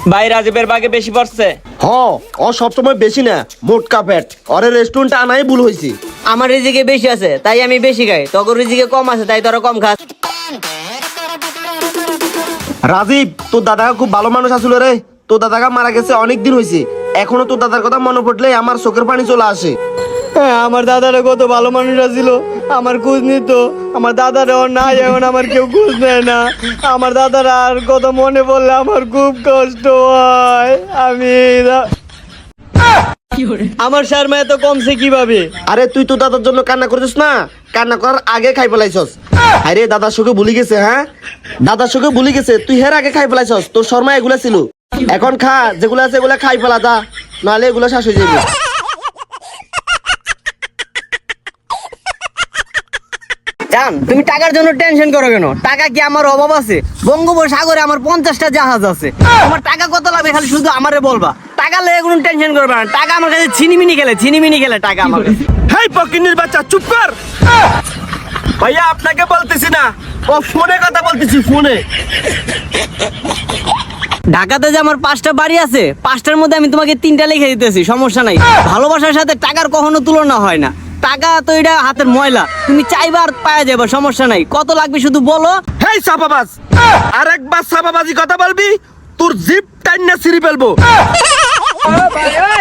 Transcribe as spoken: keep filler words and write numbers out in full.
ভাই রাজীবের বাগে বেশি পড়ছে। হ ও সবসময় বেশি না, মোটকা পেট। ওরে রেস্টুরেন্টে আনাই ভুল হয়েছে। আমার রিজিকে বেশি আছে তাই আমি বেশি খাই, তোর রিজিকে কম আছে তাই তোরা কম খাস। রাজীব, তোর দাদা খুব ভালো মানুষ আসলে রে। তোর দাদাকে মারা গেছে অনেক দিন হয়েছে, এখনো তোর দাদার কথা মনে পড়লে আমার চোখের পানি চলে আসে। হ্যাঁ, আমার দাদারা কত ভালো মানুষরা ছিল, আমার খোঁজ নিত। আমার দাদারা নাই, এখন আমার কেউ খোঁজ নেয় না। আমার দাদারা আর কত মনে পড়লে আমার খুব কষ্ট হয়। আমি আমার শর্মা এত কমছে কিভাবে? আরে তুই তো দাদার জন্য কান্না করছিস না, কান্না করার আগে খাই ফেলাইছস। আরে দাদার সুখে ভুলে গেছে, হ্যাঁ দাদার সুখে ভুলে গেছে, তুই হের আগে খাই ফেলাইছস। তোর শর্মা এগুলা ছিল, এখন খা যেগুলো আছে এগুলা খাই ফেলা দা, নাহলে এগুলো শেষ হয়ে যাবে। জান, তুমি টাকার জন্য টেনশন করো কেন? টাকা কি আমার অভাব আছে? বঙ্গোপসাগরে আমার পঞ্চাশটা জাহাজ আছে। আমার টাকা কত লাগবে খালি শুধু আমারে বলবা। টাকা লেগে কোনো টেনশন করবে না। টাকা আমার কাছে ছিনিমিনি খেলে, ছিনিমিনি খেলে টাকা আমার কাছে। হেই পকিনির বাচ্চা, চুপ কর। ভাইয়া আপনাকে বলতেছি না, ও ফোনে কথা বলতেছি, ফোনে। ঢাকাতে যে আমার পাঁচটা বাড়ি আছে, পাঁচটার মধ্যে আমি তোমাকে তিনটা লিখে দিতেছি, সমস্যা নাই। ভালোবাসার সাথে টাকার কখনো তুলনা হয় না। টাকা তো এটা হাতের ময়লা, তুমি চাইবা আর পাওয়া যাবে, সমস্যা নাই। কত লাগবে শুধু বলো। হেই সাপাবাজ, আরেকবার সাপাবাজি কথা বলবি তোর জিপ টাইনা ছিঁড়ে ফেলবো।